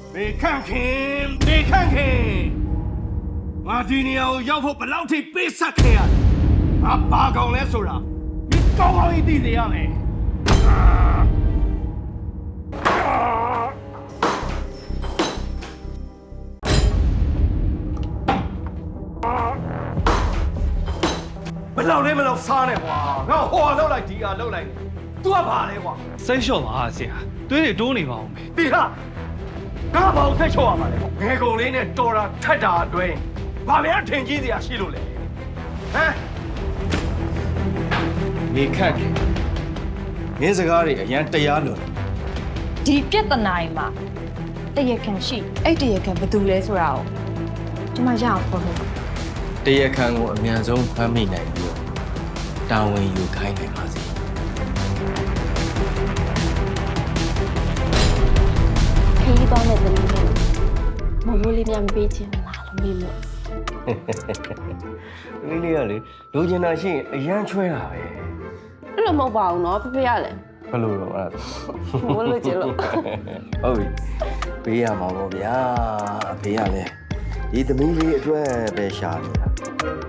没看看，没看看，我今年要不不老天被杀开啊！俺爸讲来说了，你高高一地这样嘞。မလောက်လဲမလောက်စားနဲ့ကွာငါဟိုဟာလောက်လိုက်ဒီဟာလောက်လိုက် तू ကဘာလဲကွာစိတ်လျှော့ပါဆရာသွေးတွေတိုးနေပါအောင်ပဲဒီဟာငါဘာလို့ဆက်ချောရမှာလဲငယ်ကုန်လေးနဲ့တော်တာထက်တာအတွင်းဘာများထင်ကြီးစရာရှိလို့လဲဟမ်နေခက်တယ်မင်းစကားတွေအရန်တရားလွန်ဒီပြဿနာတွေမှာတရခံရှိအဲ့တရခံဘယ်သူလဲဆိုတာကိုကျွန်မရအောင်ပြောလို့တရားခံကိုအမြန်ဆုံးဖမ်းမိနိုင်ပြီးတော့တာဝန်ယူခိုင်းနိုင်ပါစေခရီးသွားတဲ့သမီးလေးမမိုးလေးများမပေးချင်လားလို့မေးလို့ဒီလေးကလေလိုချင်တာရှိရင်အရန်ချွဲတာပဲအဲ့လိုမဟုတ်ပါဘူးနော်ဖေဖေရလဲဘယ်လိုတော့အဲ့ဒါမိုးလို့ချင်လို့ဟုတ်ပြီပေးရမှာပေါ့ဗျာအဖေကလည်းဒီသမီးလေးအတွက်ပဲရှာနေတာ